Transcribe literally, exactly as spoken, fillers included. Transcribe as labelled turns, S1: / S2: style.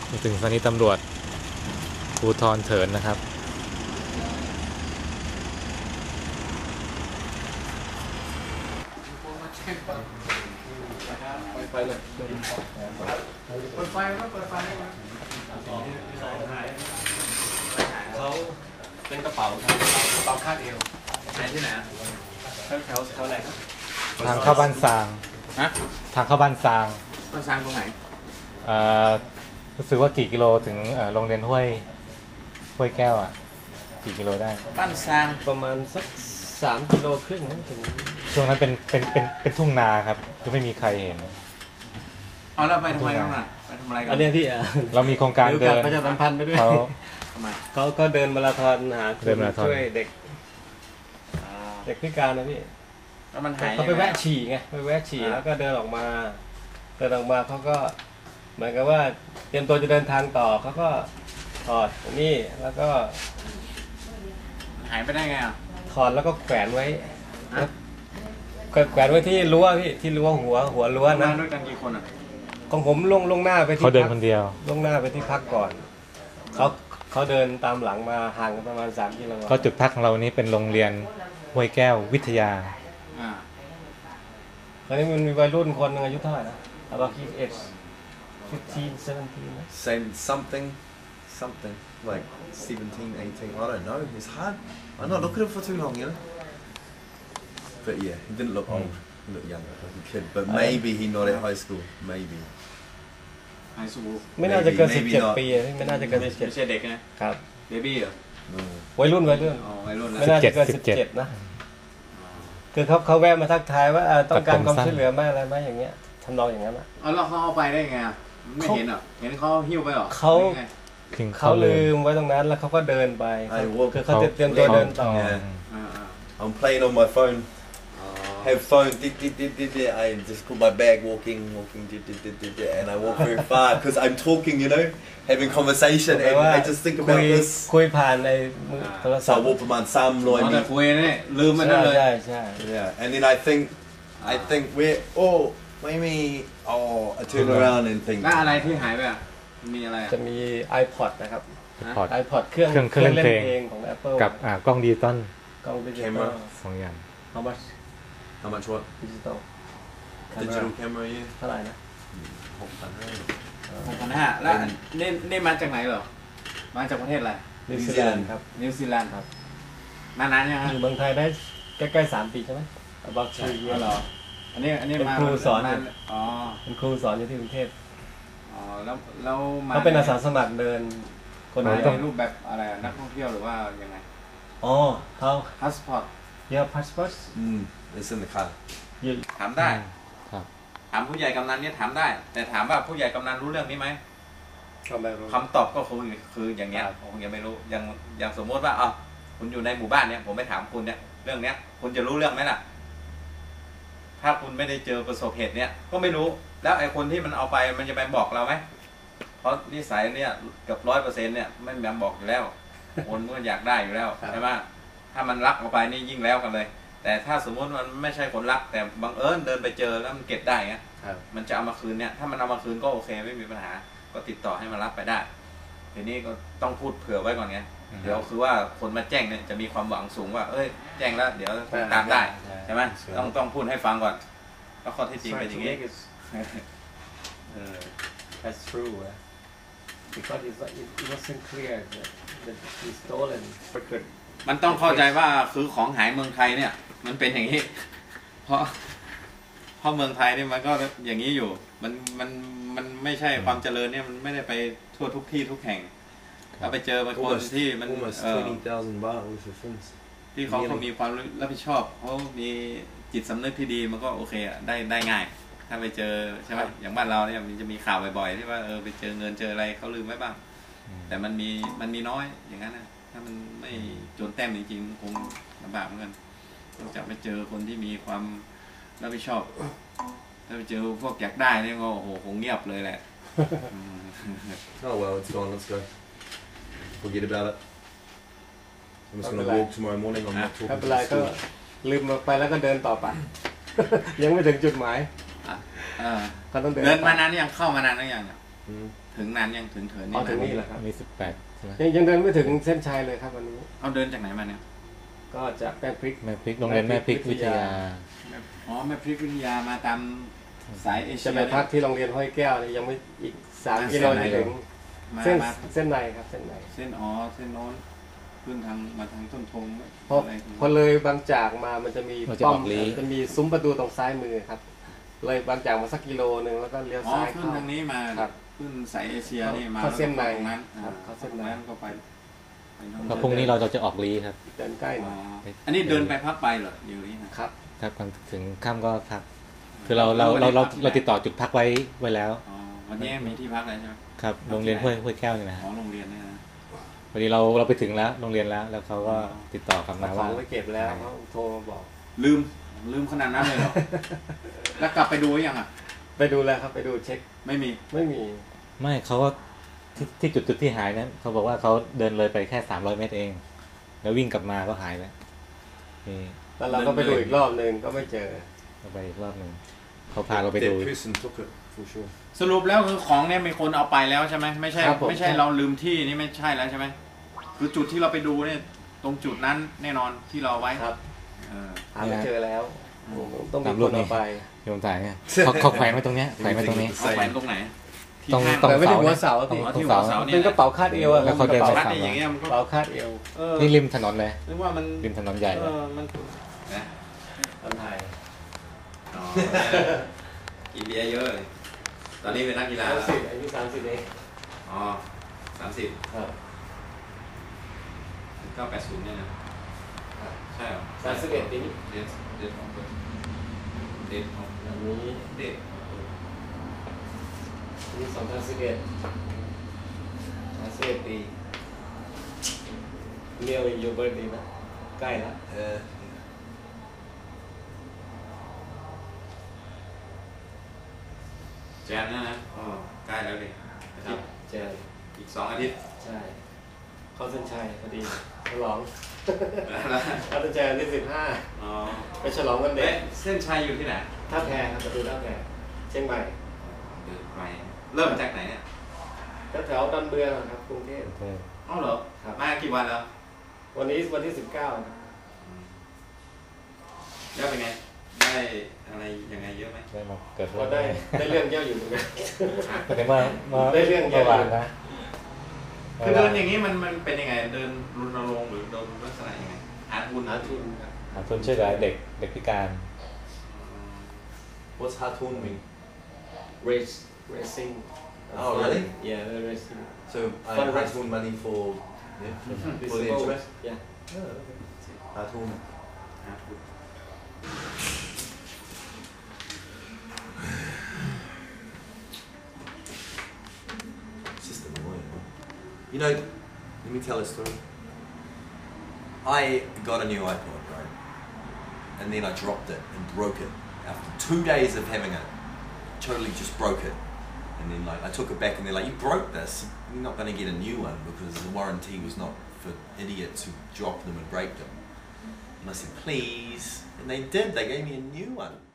S1: ถึงสถานีตำรวจภูธรเถินนะครับ
S2: ไปเลยเปิดไฟก็เปิดไฟเขาเป็นกระเป๋าครับกระเป๋าคาดเอวไหนที่ไหนแถวแถวแถวไหนครับ
S1: ทางเข้าบ้านซาง
S2: ฮะ
S1: ทางเข้าบ้านซาง
S2: บ้านซางตรงไหน
S1: อ่ารู้สึกว่ากี่กิโลถึงโรงเรียนห้วยห้วยแก้วอ่ะกี่กิโลได้
S2: บ้านซางประมาณสักสามกิโลครึ่งถึง
S1: ช่วงนั้นเป็นเป็นเป็นเป็นทุ่งนาครับก็ไม่มีใครเห็น
S2: เอาแล้วไปทำไมกันอ่ะไปทำอะไรกัน
S3: อันนี้ที่
S1: เรามีโครงการเดิน
S3: ประชาสัมพันธ์ไปด้วย
S1: เขา
S3: เขาก็เดินมาราธอนหาช่วยเด็กเด็กพิการนะพี่
S2: แล้วมันหาย
S3: เขาไปแวะฉี่ไงไปแวะฉี่แล้วก็เดินออกมาเดินออกมาเขาก็เหมือนกับว่าเตรียมตัวจะเดินทางต่อเขาก็ถอดนี่แล้วก็
S2: หายไปได้ไงอ่ะ
S3: ถอดแล้วก็แขวนไว้แขวนไว้ที่รั้วพี่ที่รั้วหัวหัวรั้วนะ
S2: ด้วยกันกี่คนอ่ะ
S3: ของผมลงลงหน้าไปที่
S1: เขาเดินคนเดียว
S3: ลงหน้าไปที่พักก่อนเขาเขาเดินตามหลังมาห่างกันประมาณสามกิโล
S1: ก็จุดพักของเรานี้เป็นโรงเรียนห้วยแก้ววิทยา
S3: อ่าตอนนี้มันมีวัยรุ่นคนนึงอายุเท่าไหร่นะ about age fifteen seventeen
S4: same something something like seventeen eighteen I don't know it's hard I'm not looking at him for too long you know but yeah he didn't look old he looked young like a kid but maybe he not at high school maybe
S2: high school
S3: ไม่น่าจะเกินสิบเจ็ดปีไม่น่าจะเกินสิบเจ็ด
S2: ไม่ใช่เด็กนะครับเบบี้เหรอ
S3: วัยรุ่นวัยรุ่น
S2: วัยรุ่น
S3: ไม่น่าจะเกินสิบเจ็ดนะคือเขาเขาแวะมาทักทายว่าต้องการความช่วยเหลือไหมอะไรไหมอย่างเงี้ยทำนองอย่างนั้นอ่ะ
S2: เอาแล้วเขาเอาไปได้ไงไม่เห็นอ่ะเห็นเขาหิ้วไปหรอ
S3: เขาเขาลืมไว้ตรงนั้นแล้วเขาก็เดินไปคือเขาเตรียมตัวเดินต่อ
S4: I'm playing on my phone have phone did did did did did I just put my bag walking walking did did did did and I walk very far because I'm talking you know having conversation and I just think about this
S3: คุยผ่านในโทรศัพท์
S4: so walk ประมาณสามร้อยเมตร
S2: คุยนี่ลืมมันนั่นเลย
S3: ใช่ใช่
S4: yeah and then I think I think we're oh ไม่มี oh I turn around and think
S2: แล้วอะไรที่หายไปอ่ะมีอะไร
S3: จะมี iPod นะครับ iPod เครื่อง
S1: เครื่องเล่นเพลง
S3: ของ Apple
S1: กับกล้องดิจิตอล
S3: กล้องดิจิตอล
S1: สองอย่าง
S3: How much
S4: How much what
S3: digital
S4: digital camera
S3: เท่าไหร่นะ
S4: หกพันห้า
S2: หกพันห้าแล้วนี่นี่มาจากไหนเหรอมาจากประเทศอะไร
S3: นิวซีแลนด์ครับ
S2: นิวซีแลนด์ครับมานานยัง
S3: อยู่เมืองไทยได้ใกล้ๆสามปีใช่ไหม about three years
S2: เหรออันนี้อันนี้มา
S3: ครูสอน
S2: อ๋อ
S3: เป็นครูสอนอยู่ที่กรุงเทพ
S2: อ๋อแล้วแล้วมา
S3: เขาเป็นอาสาสมัครเดิน
S2: คนไหนในรูปแบบอะไรนักท่องเที่ยวหรือว่ายังไง
S3: อ๋อเขา
S2: พาสปอร์ต
S3: เยอะพาสปอร์ต
S4: อืมเป็นสิ่งที่ขาด
S2: ถามได้ถามผู้ใหญ่กำนันเนี่ยถามได้แต่ถามว่าผู้ใหญ่กำนันรู้เรื่องนี้ไหมคำตอบก็คือคืออย่างเงี้ยผมยังไม่รู้อย่างอย่างสมมติว่าอ๋อคุณอยู่ในหมู่บ้านเนี่ยผมไปถามคุณเนี่ยเรื่องเนี้ยคุณจะรู้เรื่องไหมล่ะถ้าคุณไม่ได้เจอประสบเหตุเนี้ยก็ไม่รู้แล้วไอ้คนที่มันเอาไปมันจะไปบอกเราไหมเพราะนิสัยเนี่ยเกือบร้อยเปอร์เซ็นต์เนี่ยไม่แม่บอกอยู่แล้วคนก็อยากได้อยู่แล้วใช่ไหมถ้ามันรักเอาไปนี่ยิ่งแล้วกันเลยแต่ถ้าสมมติมันไม่ใช่คนรักแต่บังเอิญเดินไปเจอแล้วมันเก็บได้เงี้ยมันจะเอามาคืนเนี่ยถ้ามันเอามาคืนก็โอเคไม่มีปัญหาก็ติดต่อให้มันรับไปได้ทีนี้ก็ต้องพูดเผื่อไว้ก่อนไงเดี๋ยวคือว่าคนมาแจ้งเนี่ยจะมีความหวังสูงว่าเอ้ยแจ้งแล้วเดี๋ยวตามได้ใช่ไหมต้องต้องพูดให้ฟังก่อนว่าข้อเท็จจริงเป็นอย่างนี้
S3: That's true because it wasn't clear that he stolen
S2: มันต้องเข้าใจว่าคือของหายเมืองไทยเนี่ยมันเป็นอย่างนี้เพราะเพราะเมืองไทยนี่มันก็อย่างนี้อยู่มันมันมันไม่ใช่ความเจริญเนี่ยมันไม่ได้ไปทั่วทุกที่ทุกแห่งถ้าไปเจอบางคนที่มันเออที่เขาเขามีความรับผิดชอบเขามีจิตสำนึกที่ดีมันก็โอเคอ่ะได้ได้ง่ายถ้าไปเจอใช่ไหมอย่างบ้านเราเนี่ยมันจะมีข่าวบ่อยๆที่ว่าเออไปเจอเงินเจออะไรเขาลืมไว้บ้างแต่มันมีมันมีน้อยอย่างนั้นนะถ้ามันไม่โจรแต้มจริงๆคงลำบากเหมือนกันต้องจับไปเจอคนที่มีความรับผิดชอบถ้าไปเจอพวกอยากได้เนี่ยก็โอ้โหคงเงียบเลยแหละ
S4: Oh well it's gone let's go forget about it I'm just gonna walk tomorrow morning I'm not talking
S3: ไม่เป็นไรก็ลืมไปแล้วก็เดินต่อไปยังไม่ถึงจุดหมาย
S2: เงินมานานยังเข้ามานานหรือยังถึงนานยังถึงเถิน
S3: อ๋อ
S2: นี่
S3: ถึงนี่
S2: นะ
S3: แหละครับ
S1: อันนี้สิบแปดใช่ไหม
S3: ยังยังเดินไม่ถึงเส้นชัยเลยครับวันนี้
S2: เอาเดินจากไหนมาเนี่ย
S3: ก็จากแป้งพริก
S1: แม่พริกโรงเรียนแม่พริกวิทยา
S2: อ๋อแม่พริกวิทยามาตามสายเอเชี
S3: จะ
S2: ย
S3: ไปพักที่โรงเรียนห้วยแก้วนี่ยังไม่อีกสามกิโลจะถึง
S2: มา
S3: เส้น
S2: มา
S3: เส้นในครับเส้นใน
S2: เส้นอ๋อเส้นโน้นขึ้นทางมาทางต้นธง
S3: พอ
S2: อะไร
S3: พอเลยบางจากมามันจะมี
S1: เราจะ
S3: ป้อ
S1: อ
S3: ม
S1: อกลี้
S3: จะมีซุ้มประตูตรงซ้ายมือครับ เลยบางจากมาสักกิโลหนึ่งแล้วก็เลี้ยว
S2: อ๋อ
S3: ซ้าย
S2: ขึ้น
S3: เข้า
S2: ทางนี้มา
S3: ครับ
S2: ขึ้นสายเอเชียนี่มา
S3: เข้าเส้นใน
S2: แล้วก็ตรงนั้น
S3: ครับเข้าเส้นใน
S2: ตรงนั้นก็ไปไปโน่น
S1: แล้วพรุ่งนี้เราจะออกลีครับ
S3: เดินใกล้ห
S2: อ๋
S3: น่
S2: อ
S3: อย
S2: อันนี้เดินไปพักไปเหรอเดี๋ยวนี้นะครับ
S1: ครับก่อนถึงค่ำก็พัก คือเราเราเราเราเราติดต่อจุดพักไว้ไว้แล้ว
S2: อ๋อวันนี้มีที่พักแล้วใช่ไหม
S1: ครับโรงเรียนห้วยห้วยแก้วนี่นะ
S2: อ๋อ
S1: ฮะ
S2: โรงเรียนเนี่ยนะ
S1: พอดีเราเราไปถึงแล้วโรงเรียนแล้ว แล้วเขาก็ติดต่อกลับมา
S3: เอาขอ
S1: ว่า
S3: งไปเก็บแล้วเขาโทรมาบอก
S2: ลืมลืมขนาดนั้นเลยเหรอ แล้วกลับไปดูหรือยังอ่ะ
S3: ไปดูแล้วครับไปดูเช็ค
S2: ไม่มี
S3: ไม่มี
S1: ไม่เขาก็ที่ที่จุดจุดที่หายนั้นเขาบอกว่าเขาเดินเลยไปแค่สามร้อยเมตรเอง แล้ววิ่งกลับมาก็หายแล้วนี่
S3: แล้วเราก็ไปดูอีกรอบหนึ่งก็ไม่เจอ
S1: เราไปอีกรอบหนึ่งเขาพาเราไปดู
S4: That person took it for sure.
S2: สรุปแล้วคือของเนี่ยมีคนเอาไปแล้วใช่ไหมไม่ใช่
S3: ครับผม
S2: ไม่ใช่เราลืมที่นี่ไม่ใช่แล้วใช่ไหมคือจุดที่เราไปดูเนี่ยตรงจุดนั้นแน่นอนที่เราไว้
S3: ครับ
S2: เออ
S3: หาไม่เจอแล้วต้องมี
S1: ตาม
S3: ค
S1: รู
S3: น
S1: ปนี้
S3: เอาไป
S1: โยมถ่ายเนี่ยเขาเขาแขวนไว้ตรงเนี้ยแขวนไว้ตรงนี้
S2: เอาแขวนตรงไหนที่
S1: ตรง
S2: ข้าง
S1: ตรง
S3: แต่ไม่ได้หัว
S1: เสา
S3: เสา
S1: เนี่ย
S3: พี่
S2: อ๋อ
S1: ตรง
S2: ที่หัว
S1: เสา
S2: เสาเนี่ย
S3: เป็นกระเป๋าคาดเอวอะ
S1: แล้วเขาเดิน
S3: กระ
S2: รั
S3: เป๋า
S2: ดได้อย่างเงี้ยมัน
S3: ก
S2: ก็
S3: ระเป๋าคาดเอว
S2: เออ
S1: นี่ริมถนนเลย
S2: นึกว่ามัน
S1: ริมถนนใหญ่
S2: เอ
S1: เลย
S2: อมันนะ
S3: ตอนไทย
S2: อ๋อกินเบียร์เยอะเลยตอนนี้เป็นนักกีฬา
S3: สาม
S2: แล้ว
S3: สิบอายุสามสิบเอง
S2: อ๋อสามสิบ
S3: ครับ
S2: เก้าแปดศูนย์เนี่ยนะใช่เหรอ
S3: สามสิบเอ็ดปีนี้
S2: เด็ดเด็ดของเปิดเด็ดของ
S3: อันนี้
S2: เด็ด
S3: นี่สองพันสิบเอ็ดสามสิบเอ็ดปีเรียวอีกยูเบิร์ดดีนะใกล้แล้ว
S4: Uh,
S2: แจนนะนะอ๋อใกล้แล้วดิอาทิตย์
S3: เจอ
S2: อีกสองอาทิตย์
S3: ใช่เข้าเส้นชัยพอดีฉลอง
S2: แล้ว
S3: เข้าเส้นชัยวันที่สิบห้า
S2: อ๋อ
S3: ไปฉลองวันเด็
S2: เอ๊ะ
S3: ก
S2: เส้นชัยอยู่ที่ไหน
S3: ท่าแพครับประตูท่าแพเชียงใหม่
S2: เดินไปเริ่มจากไหนเนี่ย
S3: แถวๆดอนเมืองครับกรุงเทพ
S2: อ๋อเหรอ
S3: ครับ
S2: มากี่วันแล้ว
S3: วันนี้วันที่สิบเก้าครับ
S2: แล้วเป็นไงได้อะไรยังไงเยอะไหม
S1: ได้มาเกิด
S3: ก็ได้ได้เรื่องเยอะอยู่เหมือนกัน
S1: ก็ถึงว่าเมื่อ
S3: ได้เรื่องเยอะ
S1: เมื่อวานนะ
S2: คือเดินอย่างนี้มันมันเป็นยังไงเดินรุนรงค์หรือเดินลักษณะยังไงอาร์ตบุญ
S3: หาทุนครับ
S1: หาทุนช่วยเหลือเด็กเด็กพิการ
S4: what's Hatun mean?
S3: race racing
S4: Oh, really?
S3: yeah racing
S4: So I
S3: Fund
S4: Hatun money for yeah, for the
S3: Visible-
S4: interest.
S3: yeah
S4: Oh, okay. Hatun.
S2: อาร์ตบุญ
S4: It's just annoying. Man. You know, let me tell a story. I got a new iPod, right? And then I dropped it and broke it. After two days of having it, totally just broke it. And then like I took it back and they're like, you broke this. You're not going to get a new one because the warranty was not for idiots who drop them and break them. And I said, please. And they did. They gave me a new one.